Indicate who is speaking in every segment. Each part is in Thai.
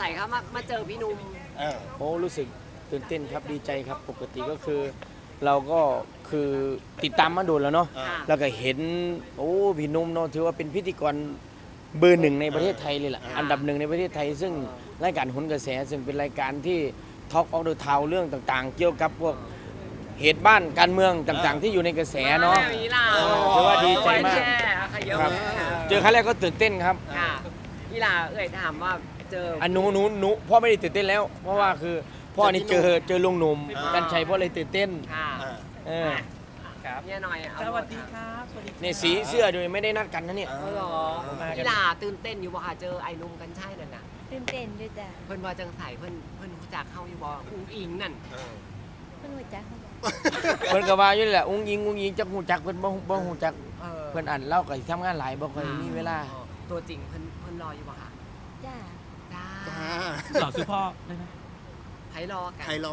Speaker 1: ครับมาเจอพี่นุ่ม
Speaker 2: โอ้รู้สึกตื่นเต้นครับดีใจครับปกติก็คือ เราก็คือติดตามมาโดนแล้วเนาะ
Speaker 1: ค่ะ
Speaker 2: แล้วก็เห็นโอ้พี่หนุ่มเนาะถือว่าเป็นพิธีกรเบอร์หนึ่งในประเทศไทยเลยล่ะอันดับหนึ่งในประเทศไทย ซึ่งรายการโหนกระแสซึ่งเป็นรายการที่ทอล์กออฟเดอะทาวเรื่องต่างๆ เกี่ยวกับพวกเหตุบ้านการเมืองต่างๆ ที่อยู่ในกระแสเนาะ
Speaker 1: แบบนี้ล่ะ
Speaker 2: ถือว่าดีใจมาก
Speaker 1: ครับ
Speaker 2: เจอครั้งแรกก็ตื่นเต้นครับ
Speaker 1: ค่ะพี่ลาถามว่าเจอ
Speaker 2: อันหนูพ่อไม่ได้ตื่นเต้นแล้ว เพราะว่าคือพ่อนี่เจอลุงหนุ่มกันชัยพ่อเลยตื่นเต้น
Speaker 1: ค่ะ
Speaker 2: เออ
Speaker 3: ครับ
Speaker 1: เนี่ยหน่อย
Speaker 3: สวัสดีครับสวัสดีครับ
Speaker 2: เนี่ยสีเสื้อด้วยไม่ได้นัดกันนะเนี่ย
Speaker 1: เออเหรอพี่ลาตื่นเต้นอยู่บ่ค่ะเจอไอ้นุ่มกันใช่นั่นน่ะ
Speaker 4: ตื่นเต้นด้วยจ้ะ
Speaker 1: เพิ่นว่าจังใสเพิ่นรู้จักเฮาอยู่บ่อุ้งอิงนั่น
Speaker 4: เพิ่นหัวจักเขาบอก
Speaker 2: เพิ่นก็ว่าอยู่นี่แหละอุ้งยิงจักหูจักเพิ่นบ่หูจัก
Speaker 1: เออ
Speaker 2: เพิ่นอ่านเล่าก็สิทำงานหลายบ่ค่อยมีเวลา
Speaker 1: ตัวจริงเพิ่นรออยู่บ่ค่ะ
Speaker 4: จ้า
Speaker 1: จ้า
Speaker 3: หล่อซื้อพ่อได้ไหม
Speaker 1: ไผรอกัน
Speaker 5: ใครลอง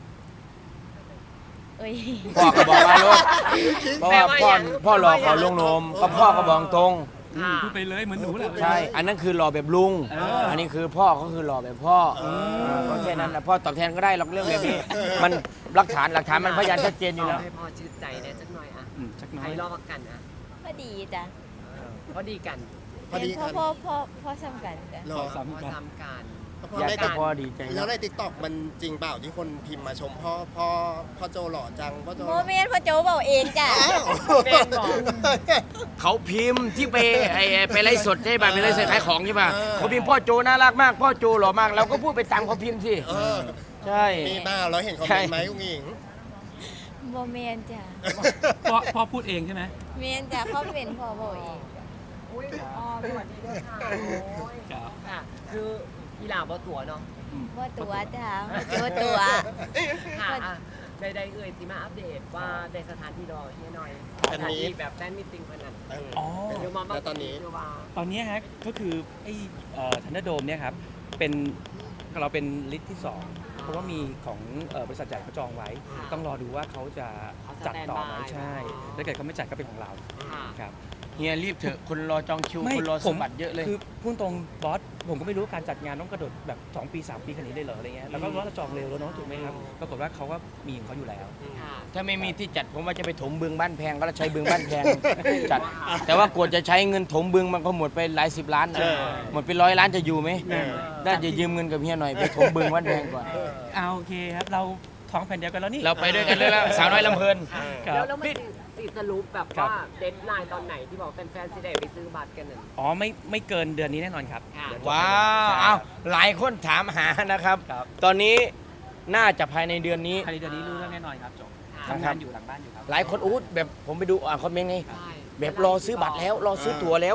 Speaker 4: เอ้ย
Speaker 2: พ่อก็บอกว่าลูกเพราะว่าพ่อรอขอลุงหนุ่มก็พ่อก็บอกตรง
Speaker 1: ค่ะ
Speaker 3: พูดไปเลยเหมือนหนูแหละ
Speaker 2: ใช่ อันนั้นคือรอแบบลุง อันนี้คือพ่อก็คือรอแบบพ่อก็แค่นั้นแหละพ่อตอบแทนก็ได้หรอกเรื่องแบบนี้ มันหลักฐานมันพยานชัดเจนอยู่แล้ว
Speaker 1: ให้พ่อชื่นใจได้จักหน่อยอ่ะ
Speaker 3: ชักน้อ
Speaker 1: ไผ
Speaker 3: ย
Speaker 1: รอกันอ่ะ
Speaker 4: พอดีจ้ะ
Speaker 1: พอดีกัน
Speaker 5: พอดี
Speaker 4: พ่อ
Speaker 5: กัน
Speaker 4: พ่อซ้ำกันจ้ะ
Speaker 5: หร
Speaker 3: ข
Speaker 5: อ
Speaker 3: อ
Speaker 1: พอ
Speaker 3: ซ้ำกัน
Speaker 1: ซ้ำกัน
Speaker 2: อยากจะพ่อดีใจ
Speaker 5: แล้ว
Speaker 2: เนาะ
Speaker 5: ในติ๊กต็อกมันจริงเปล่าที่คนพิมพ์มาชมพ่อโจหล่อจังพ่อโจ
Speaker 4: โมเมนต์พ่อโจบอกเองจ้ะ
Speaker 5: อ้าว
Speaker 1: เป็นบอก
Speaker 2: เขาพิมพ์ที่ไปไลฟ์สดใช่ป่ะไปไลฟ์สดขายของใช่ป่ะเขาพิมพ์พ่อโจน่ารักมากพ่อโจหล่อมากเราก็พูดไปตามเขาพิมพ์สิ
Speaker 5: เออ
Speaker 2: ใช่
Speaker 5: มีบ้าเราเห็นคอมเมนต์ไหมกุ้งหญิง
Speaker 4: โมเมนต์จ้ะ
Speaker 3: พ่อพูดเองใช่ไหม
Speaker 4: เมนจ้ะเขาเป็นพ่อบอกเอง
Speaker 1: อุ้ยอ๋อสวัสดีด้วยค่ะโอ้ย
Speaker 3: ครับ
Speaker 1: ค่ะ คืออีหลาบ่ตัวเนาะ
Speaker 4: ว่าตัวจ้ะพ่อโจตัว
Speaker 1: ค่ะอ่ะได้เอ่ยสิมาอัปเดตว่าได้สถานที่รอเฮียหน่อย
Speaker 5: อั
Speaker 1: ส
Speaker 5: น
Speaker 1: ถาน
Speaker 5: นี้
Speaker 1: ที่แบบแฟนมิตติ้งเพิ่นนั่น
Speaker 3: อ๋อ
Speaker 1: เดี๋ยวมา
Speaker 5: แล้วตอนนี้
Speaker 1: เดี๋ยวว่า
Speaker 3: ตอนนี้ฮะก็คือไอ้ทันเดอร์โดมเนี่ยครับเป็นเราเป็นลิสต์ที่ 2 เพราะว่ามีของบริษัทใหญ่เขาจองไว้ ต้องรอดูว่าเขาจะจัดต่อไหมใช่ถ้าเกิดเขาไม่จัดก็เป็นของเรา
Speaker 1: ค่ะ
Speaker 3: ครับ
Speaker 2: เฮียรีบเถอะคนรอจองคิวคนรอสมบัติเยอะเลย
Speaker 3: คือพูดตรงบอสผมก็ไม่รู้การจัดงานต้องกระโดดแบบ2 ปี 3 ปีขนาดนี้เลยเหรออะไรเงี้ยแล้วก็ว่าเราจองเร็วแล้วเนาะถูกไหมครับปรากฏว่าเขาก็มีของเขาอยู่แล้ว
Speaker 1: ค่ะ
Speaker 2: ถ้าไม่มีที่จัดผมว่าจะไปถมบึงบ้านแพงก็ใช้บึงบ้านแพง จัด แต่ว่ากว่าจะใช้เงินถมบึงมันก็หมดไปหลาย10 ล้านนะหมดไป100 ล้านจะอยู่ไหมน่าจะยืมเงินกับเฮียหน่อยไปถมบึงบ้านแพงก่อน
Speaker 3: เอาโอเคครับเราท้องแผ่นเดียวกันแล้วนี่
Speaker 2: เราไปด้วยกันเลยแล้วสาวน้อยลำเพลิน
Speaker 3: ครับ
Speaker 1: แล้วมันสิสรุปแบบ
Speaker 3: ครับ
Speaker 1: ว่าเดทไลน์ตอนไหนที่บอกแฟนๆสิได้ไปซื้อบัตรกันนั่น
Speaker 3: อ๋อไม่เกินเดือนนี้แน่นอนครับ
Speaker 1: ค่ะ
Speaker 3: เดี๋ย
Speaker 2: ว้าว
Speaker 3: ใช่
Speaker 2: เอาหลายคนถามหานะครับ
Speaker 3: ครับ
Speaker 2: ตอนนี้น่าจะภายในเดือนนี้
Speaker 3: ภายในเดือนนี้รู้เรื่องแน่นอนครับจบ
Speaker 1: ค่ะ
Speaker 3: ทำงานอยู่หลังบ้านอยู่ครับ
Speaker 2: หลายคนอู้แบบผมไปดูคอมเมนต์ไง
Speaker 1: ใช่
Speaker 2: แบบรอซื้อบัตรแล้วรอซื้อตั๋วแล้ว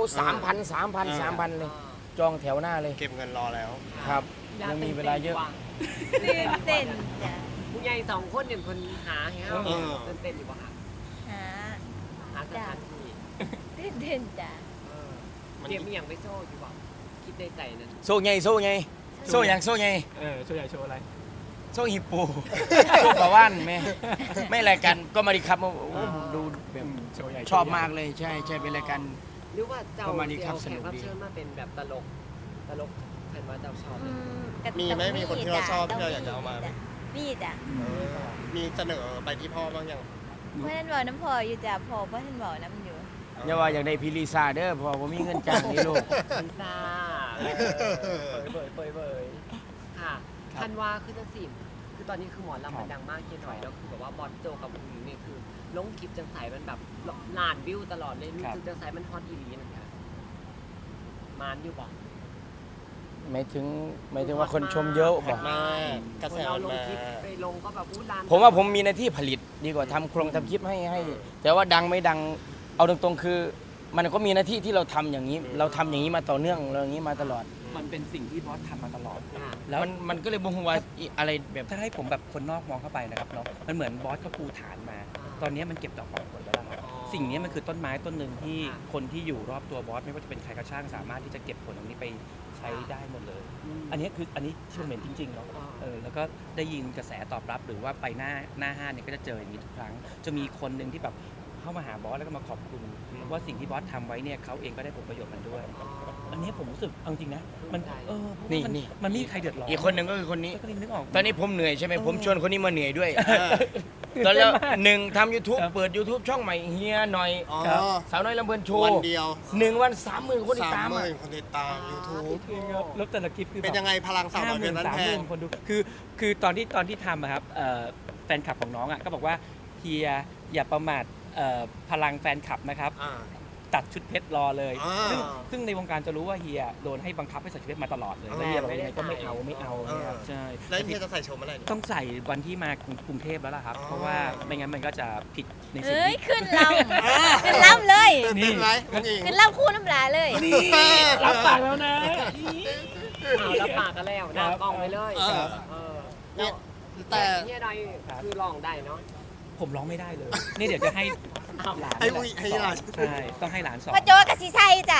Speaker 2: 3,000 เลย จองแถวหน้าเลย
Speaker 5: เก็บเงินรอแล้ว
Speaker 2: ครับยังมีเวลาเยอะ
Speaker 4: ตื่นเต้นจ้ะ
Speaker 1: ผู้ใหญ่2 คนเนี่ยคนหาให้เฮา
Speaker 5: เออ
Speaker 1: ตื่นเต้นอยู่บ่ค่ะ
Speaker 4: หา
Speaker 1: หาสถานที่
Speaker 4: ตื่นเต้นจ้ะ
Speaker 1: เออเตรียมอีหยังไปโซ่อยู่บ่คิดในใจนั่น
Speaker 2: โซ่ไงโซ่ไงโซ่อย่างโซ่ไง
Speaker 3: โชว์ใหญ่โชว์อะไร
Speaker 2: โซ่ฮิปโป โซ่ปลาว่านไม่รายการก็มาดีครับโอ้โหดูแบบ
Speaker 3: โชว์ใหญ่
Speaker 2: ชอบมากเลยใช่เป็นรายการ
Speaker 1: หรือว่าเจ้า
Speaker 2: ประมาณนี้ครับ
Speaker 1: เสีย
Speaker 2: สนุก
Speaker 1: แขกรับ
Speaker 2: ดี
Speaker 1: เชิญมาเป็นแบบตลกเห็นว่าเจ้าชอบ
Speaker 4: อืมก็
Speaker 5: มีไหม
Speaker 4: ต้อง
Speaker 5: มีคนที่เราชอบที่เราอยากจะ
Speaker 4: ต้ง
Speaker 5: เอามาไหม
Speaker 4: จ้ะมีจ้ะ
Speaker 5: มีเสนอไปที่พ่อบ้างยัง
Speaker 4: เพื่อนบอกน้ำพออยู่จ้ะพอเพื่อนบอกน้ำอยู่
Speaker 2: อย่าว่าอยากได้พิลิซาเด้อเพอผมมีเงินจ้างนี่ลูก
Speaker 1: พิซซ่าเบยค่ะทันว่าคือจังสิคือตอนนี้คือหมอลำมันดังมากเคียนหน่อยแล้วคือแบบว่าบอสโจกับอุ้งอิงเนี่ยคือลงคลิปจังใสมันแบบล้านวิวตลอดเลยรู้สึกจังใสมันฮอตอีหลีนะคะมานอยู่บอก
Speaker 2: หมายถึงว่าคนชมเยอะบอก
Speaker 5: มากระ
Speaker 1: ค
Speaker 5: แส
Speaker 1: นเรา
Speaker 5: มัน
Speaker 1: ลง
Speaker 5: มา
Speaker 1: คลิปไปลงก็แบบอู้ล้าน
Speaker 2: ผมว่าผมมีหน้าที่ผลิตดีกว่าทำคลิปให้ แต่ว่าดังไม่ดังเอาตรงๆคือ มันก็มีหน้าที่ที่เราทำอย่างนี้ เราทำอย่างนี้มาต่อเนื่องเราอย่างนี้มาตลอด
Speaker 3: มันเป็นสิ่งที่บอสทำมาตลอด
Speaker 1: ค่ะ
Speaker 3: แล้ว
Speaker 2: มันก็เลยบ่งว่าอะไรแบบ
Speaker 3: ถ้าให้ผมแบบคนนอกมองเข้าไปนะครับเนาะมันเหมือนบอสเขาปูฐานมา ตอนนี้มันเก็บดอกออกผลแล้วล่ะครับสิ่งนี้มันคือต้นไม้ต้นหนึ่งที่คนที่อยู่รอบตัวบอสไม่ว่าจะเป็นใครก็ช่างสามารถที่จะเก็บผลตรงนี้ไปใช้ได้หมดเลย อันนี้ที่ผมเห็นจริงๆเนาะแล้วก็ได้ยินกระแสตอบรับหรือว่าไปหน้าห้างเนี่ยก็จะเจออย่างนี้ทุกครั้ง จะมีคนหนึ่งที่แบบเข้ามาหาบอสแล้วก็มาขอบคุณว่าสิ่งที่บอสทำไว้เนี่ยเขาเองก็ได้ผลประโยชน์มันด้วย อันนี้ผมรู้สึกเอาจริงนะมันเพราะว่ามันไม่มีใครเดือดร้อน
Speaker 2: อีกคนหนึ่งก็คือคนนี้
Speaker 3: ก็เลยนึกออก
Speaker 2: ตอนนี้ผมเหนื่อยใช่ไหมผมชวนคนนี้มาเหนื่อยด้วยตอนแล้วหนึ่งทำ YouTube
Speaker 3: ครับ
Speaker 2: เปิด YouTube ช่องใหม่เฮียหน่อย
Speaker 5: อ๋อ
Speaker 2: สาวน้อยลำเพลินโชว์
Speaker 5: วันเดียว
Speaker 2: 1 วัน 30,000 คนติดตามอะ
Speaker 5: 30,000 คนติดตาม YouTube
Speaker 3: แล้วแต่ละคลิปคือ
Speaker 5: เป็นยังไงพลังสาวน้อยเพชรบ้านแพง
Speaker 3: คนดูคือตอนที่ทำอะครับแฟนคลับของน้องอะก็บอกว่าเฮียอย่าประมาทพลังแฟนคลับนะครับ
Speaker 5: อ่า
Speaker 3: ตัดชุดเพชรรอเลย
Speaker 5: อ่า
Speaker 3: ซึ่งในวงการจะรู้ว่าเฮียโดนให้บังคับให้ใส่ชุดเพชรมาตลอดเลยแล้วเฮียบอกยังไงก็ไม่เอาเนี่ยครับใช่
Speaker 5: แล้วเฮียจะใส่ชมอะไรเนี่ย
Speaker 3: ต้องใส่วันที่มากรุงเทพแล้วล่ะครับ
Speaker 5: อ๋อ
Speaker 3: เพราะว่าไม่งั้นมันก็จะผิดในสิ่ง
Speaker 4: เฮ้ย
Speaker 3: ที่
Speaker 4: ขึ้นลำขึ้นลำเลย
Speaker 5: ตื่นเต้นไหมน้องอิง
Speaker 4: ขึ้นลำคู่น้ำลายเลย
Speaker 3: รับปากแล้วนะ
Speaker 1: เอาแล้วปากกันแล้วหน้ากล้องไปเลย
Speaker 5: เออ
Speaker 1: แล้ว
Speaker 5: แต่
Speaker 1: เฮียดอยคือลองได้เนาะ
Speaker 3: ผมร้องไม่ได้เลย นี่เดี๋ยวจะให้หลาน
Speaker 5: ให้อุ้ยให้หลาน
Speaker 3: ใช่ต้องให้หลานสอน
Speaker 4: พ่อโจกับสีไซจ้ะ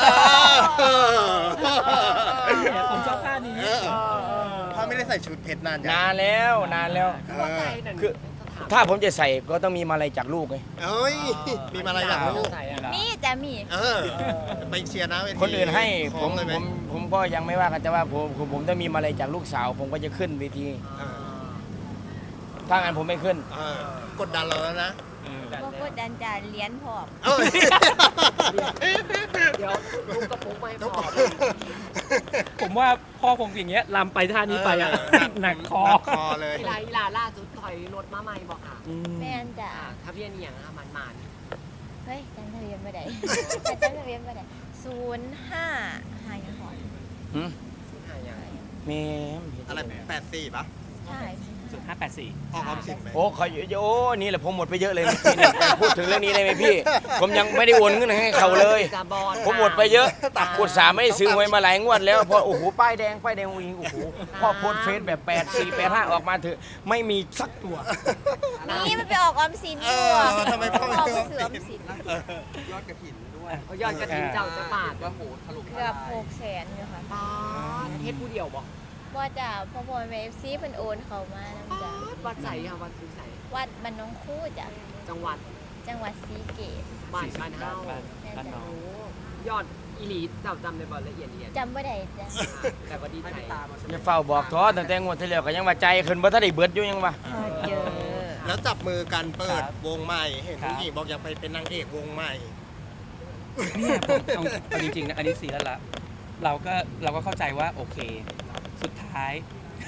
Speaker 3: ผมชอบท่านี้
Speaker 5: พ่อไม่ได้ใส่ชุดเพชรนานยัง
Speaker 2: นานแล้วนานแล้ว
Speaker 1: คือว่าใส่นั่น
Speaker 2: คือ ถ้าผมจะใส่ก็ต้องมีมาลัยจากลูกไง
Speaker 5: เอ้ย มีมาอะไรอยากรู้
Speaker 1: ใส่อะ
Speaker 4: มีจ้ะมี
Speaker 5: ไปเชียร์นะเวที
Speaker 2: คนอื่นให้
Speaker 5: ข
Speaker 2: ผ
Speaker 5: อง
Speaker 2: ม
Speaker 5: เลยไห
Speaker 2: ผมก็ยังไม่ว่ากันแต่ว่าผมต้องมีมาลัยจากลูกสาว ผมก็จะขึ้นเวที ถ้างั้นผมไม่ขึ้น
Speaker 5: กดดันเราแล้วนะ
Speaker 4: บ่กดดันจ้ะเลี้ยนพร้อม
Speaker 5: เอ้ย
Speaker 1: เดี๋ยวลูกกระปุกไม่พอ
Speaker 3: ผมว่าพ่อคงอย่างเงี้ยลำไปท่านี้ไปอะหนักคอ
Speaker 5: หนักคอเลย
Speaker 1: อีลาล่าสุดถอยรถมาใหม่บอกค่ะ
Speaker 4: แม่นจ้ะ
Speaker 1: ทะเบียนอหย่างอะมัน
Speaker 4: เฮ้ยจำทะเบียนไม่ได้จำทะเบียนไม่ได้05หายังหอน
Speaker 2: หืม
Speaker 1: สุดท้ายอย่าง
Speaker 2: แม่
Speaker 5: อะไร84ปะ
Speaker 4: ใช่
Speaker 3: 0584
Speaker 5: ออกออมสินไหม
Speaker 2: โอ้เขาโอ้นี่แหละผมหมดไปเยอะเลยเมื่อกี้เนี่ยพูดถึงเรื่องนี้ได้ไหมพี่ ผมยังไม่ได้โอนเงินให้เขาเลย
Speaker 1: จะบอล
Speaker 2: ผมหมดไปเยอะอุตส่าห์ไม่ได้ซื้อหวยมาหลายงวดแล้วพอโอ้โหป้ายแดงอุ้งโอ้โหพ่อโพสต์เฟซแบบ8485ออกมาเถอะไม่มีสักตัว
Speaker 4: นี่มันไปออกออมสินอยู่
Speaker 5: ทำไมพ่อไม่
Speaker 4: ออก
Speaker 5: ซื้อ
Speaker 4: เสือออมสิน
Speaker 5: ยอดกระถิ่นด้วย
Speaker 1: ยอดกระถิ่นเจ้าจะบาทว่าโหทะลุ
Speaker 4: เกือบ600,000อยู่ค่ะ
Speaker 1: ป้าเฮ็ดผู้เดียวบอก
Speaker 4: ว่าจ้ะพ่อพ่อแม่ FC เพิ่นโอนเข้ามานํจ้ะ
Speaker 1: วัดใสค่ะวัดซื้อใส
Speaker 4: วัดบ้านหน้องคู่จ้ะ
Speaker 1: จังหวัด
Speaker 4: จังหวัดศรีเกษ
Speaker 1: บ้านเฮา
Speaker 3: บ้านน้อง
Speaker 1: โอ้ยอดอีหลีเจ้าจำได้บ่ละเอียด
Speaker 4: จำบ่ได้จ้ะ
Speaker 1: แต่ว่าดีใจ
Speaker 2: อย่าเฝ้าบอกท้อตั้งแต่งวดที่แล้วก็ยังว่าใจขึ้นบ่ทันได้เบิดอยู่ยังว่า
Speaker 4: พอเจอ
Speaker 5: แล้วจับมือกันเปิด
Speaker 3: ครับ
Speaker 5: วงใหม่ เห็น
Speaker 3: ครับ
Speaker 5: ผู้หญิงบอกอยากไปเป็นนางเอกวงใหม่
Speaker 3: เนี่ยผมเอาจริงๆนะอันนี้ซีแล้วละเราก็เข้าใจว่าโอเค สุดท้าย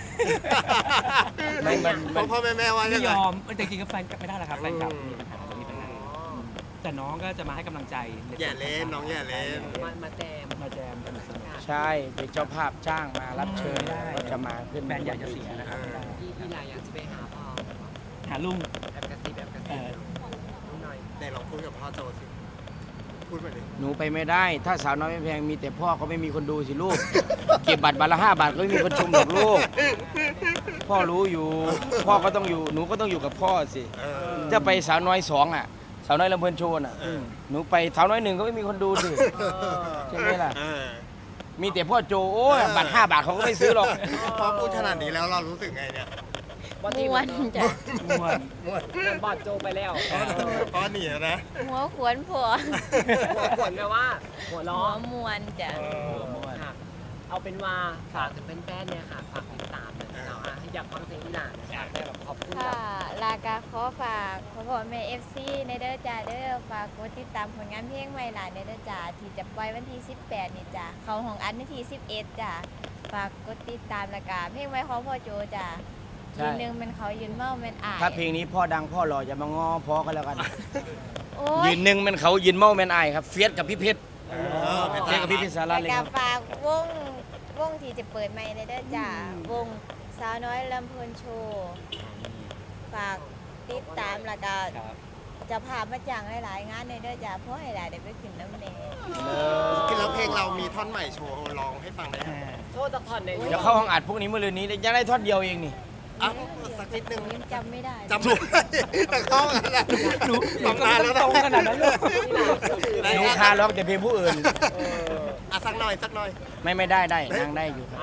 Speaker 2: ไม่มัน
Speaker 5: พ่อแม่ว่า
Speaker 3: ไม่
Speaker 5: ยัง
Speaker 3: ย
Speaker 5: ไง
Speaker 3: อมแต่จริงๆก็แฟนกลับไม่ได้แล้วครับแฟนกลับมีปัญหาแต่น้องก็จะมาให้กำลังใจ
Speaker 5: อย่าเล่นน้องอย่าเล่น
Speaker 1: มาแจม
Speaker 3: มาแจมกันสนุก
Speaker 2: ใช่เป็นเจ้าภาพจ้างมารับเชิญ
Speaker 3: ไม่ได้
Speaker 2: ก็จะมาขึ้น
Speaker 3: แฟนอยากจะเสียนะครับไม่ได้
Speaker 1: อีหลาอยากจะไปหาพ่อ
Speaker 3: หาลุง
Speaker 1: แบบกระซิบแบบกระซิบหน่อย
Speaker 5: ไหนลองพูดกับพ่อโจสิ พูดไปดิ
Speaker 2: หนูไปไม่ได้ ถ้าสาวน้อยไม่แพงมีแต่พ่อก็ไม่มีคนดูสิลูก เก็บบัตรวันละ5 บาทก็ไม่มีคนชมหรอกลูก พ่อรู้อยู่ พ่อก็ต้องอยู่หนูก็ต้องอยู่กับพ่อสิ จะไปสาวน้อย2อ่ะ สาวน้อยลำเพลินโชว์น่ะหนูไปสาวน้อย1ก็ไม่มีคนดูสิใช่ไหมล่ะ มีแต่พ่อโจโอ้ยบัตร5 บาทเขาก็ไม่ซื้อหรอก
Speaker 5: พอพูดขนาดนี้แล้วเรารู้สึกไงเนี่ย
Speaker 4: ม่วนจ้ะ
Speaker 3: ม่วน
Speaker 1: บอดโจไปแล้ว
Speaker 5: พ่อหนีแล้วนะ
Speaker 4: หัวขวนผัว
Speaker 1: หัวขวนแปลว่า หัว
Speaker 4: หั
Speaker 1: ล้อ
Speaker 4: วม่วนจ้ะ
Speaker 1: ค่ะเอาเป็นว่าฝากถึงแฟนๆเนี่ยค่ะฝากติดตามเลยเนาะอยากฟังเสียงอีหลานอยากได้แบบขอบคุณ
Speaker 4: ค่ะลากาขอฝากพ่อพ่อแม่ FC ในเด้อจ้าเด้อฝากกดติดตามผลงานเพลงใหม่หลานในเด้อจ้าที่จะปล่อยวันที่18นี่จ้ะเข้าห้องอัดวันที่11จ้ะฝากกดติดตามและกาเพลงใหม่ของพ่อโจจ้ะ
Speaker 2: ใช่
Speaker 4: ยืนหนึ่งเป็นเขายืนเมาเป็นอาย
Speaker 2: ถ้าเพลงนี้พ่อดังพ่อหล่อจะมาง้อพ่อก็แล้วกัน
Speaker 4: โอ้
Speaker 2: ยื
Speaker 4: ย
Speaker 2: นหนึ่งเป็นเขายืนเมาแมนอายครับเฟียสกับพี่เพชรเฟียสกับพี่เพชรสารั
Speaker 4: และ
Speaker 2: ตเลย
Speaker 4: กา
Speaker 2: ครับ
Speaker 4: ฝากวงที่จะเปิดใหม่ในเด้อจ้าวงสาวน้อยลำเพลินโชว์ฝากติดตามและกา
Speaker 3: ครับ
Speaker 4: จะพามาจังหลายๆงานในเด้อจ้าเพราะให้หลายได้ไปขึ้นน้ำเนย
Speaker 5: แล้วเพลงเรามีท่อนใหม่โชว์ร้องให้ฟังได้ไหม
Speaker 1: โชว์จากท่อนใน
Speaker 2: เดี๋ยวเข้าห้องอัดพวกนี้เมื่อรืนนี้ยังได้ท่อนเดียวเองนี่
Speaker 5: อ่ะสักนิดนึง
Speaker 4: ยังจำไม่ได้
Speaker 5: จำไม่ได้แต่เข้ากันแล้ว
Speaker 3: หนู
Speaker 5: ตำนานแล้ว
Speaker 3: ต
Speaker 5: นะ
Speaker 3: รงขนาดนั้นเลย
Speaker 2: หนูคาล็อกแต่เพลงผู้อื่น
Speaker 5: สักหน่อยสักหน่อย
Speaker 2: ไม่ได้นางได้อยู่ครับ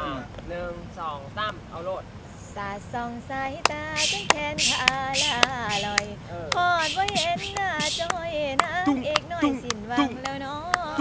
Speaker 1: 1 2 3เอาโลด
Speaker 4: สาดส่องสายตาจนแขนขาลาลอย
Speaker 1: เออ
Speaker 4: พอดว่าเห็นหน้าจอยน่อยสินหวังแล้วเนาะ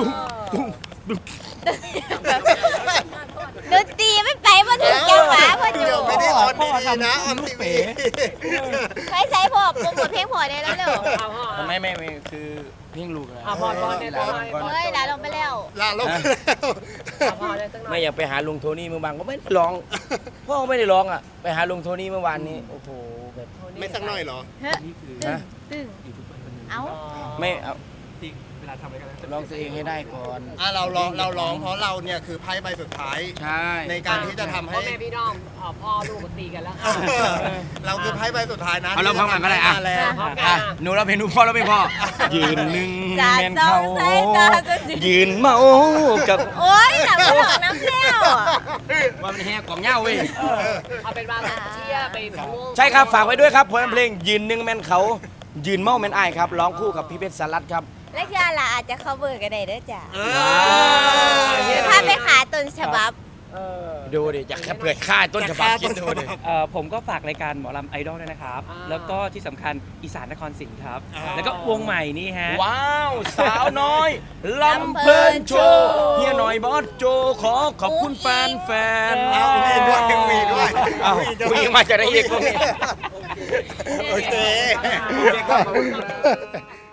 Speaker 4: ดนตรีไม่ไปมาถึงจังหวะพ่อโจ
Speaker 5: เดี๋ยวไม่ได้ออนดีๆนะออนทีวี
Speaker 4: ไปใส่พอโปรโมทเพลงพอได้แล้วเร็ว
Speaker 1: เอาพ่อ
Speaker 2: ไม่คือเพ่งลูกนะ
Speaker 1: อ่ะพอเนี่ย
Speaker 2: ลา
Speaker 1: พอ
Speaker 2: ก่อน
Speaker 4: เฮ้ยลาลงไปแล้ว
Speaker 5: ลาลงแล้ว
Speaker 1: เอาพ่อได้สักหน่อย
Speaker 2: ไม่อยากไปหาลุงโทนี่เมื่อวานก็ไม่ได้ร้องพ่อก็ไม่ได้ร้องอ่ะไปหาลุงโทนี่เมื่อวานนี้โอ้โหแบบ
Speaker 5: ไม่สักหน่อยเหรอ
Speaker 4: เฮ้ย
Speaker 3: นี่คือ
Speaker 4: ตึง
Speaker 3: ยูทูบเบอร์คนหนึ่ง
Speaker 4: เอ้า
Speaker 2: ไม่เอา
Speaker 3: ที่เวลาทำอะไรกัน
Speaker 2: ร้องตัวเองให้ได้ก่อน
Speaker 5: เราร้องเพราะเราเนี่ยคือไพ่ใบสุดท้าย
Speaker 2: ใช่
Speaker 5: ในการที่จะทำให้
Speaker 1: พ่อแม่พี่น้องพ่อลูกก็ตีกันแล้วค่ะ
Speaker 5: เราคือไพ่ใบสุดท้ายนะ
Speaker 2: เอาเราพร้อมกันก็ได้อ่ะ
Speaker 5: มาแล้ว
Speaker 1: พร้อมกั
Speaker 2: อ่ะ
Speaker 1: น
Speaker 2: หนูเราเพลงหนูพ่อเราเพลงพ่อยืนหนึ่ง
Speaker 4: จ่า
Speaker 2: แม่น
Speaker 4: สอ
Speaker 2: เขา
Speaker 4: งสายตาจะสิ
Speaker 2: ยืนเมากับ
Speaker 4: โอ๊ยหลับไม่หลับน้ำแล้วอะ
Speaker 2: ว่ามันแห่กล่องเหย้าเว้ย
Speaker 1: เอาเป็นว่าเชียร์ไปพะวง
Speaker 2: ใช่ครับฝากไว้ด้วยครับผลงานเพลงยืนหนึ่งแม่นเขายืนเมาแม่นอ้ายครับร้องคู่กับพี่เพชรสารัตครับ
Speaker 4: และยาล่ะอาจจะ cover กันได้เด้อจ้ะ
Speaker 5: เอ
Speaker 4: พาไปขาต้นฉบับ
Speaker 2: ดูดิอยากจะเปิดค่ายต้นฉบับคิดดูดิ
Speaker 3: ผมก็ฝากรายการหมอลำไอดอลด้วยนะครับ แล้วก็ที่สำคัญอีสานนครศรีครับ แล้วก็วงใหม่นี่ฮะ
Speaker 2: ว้าวสาวน้อยลำเพลินโชว์เฮียหน่อยบอสโจขอขอบคุณแฟนๆ
Speaker 5: เอามีด้วยมีด้วย
Speaker 2: เอาวิ่งมาจะได้อีกพวกนี้
Speaker 5: โอเค
Speaker 1: โอเคครับ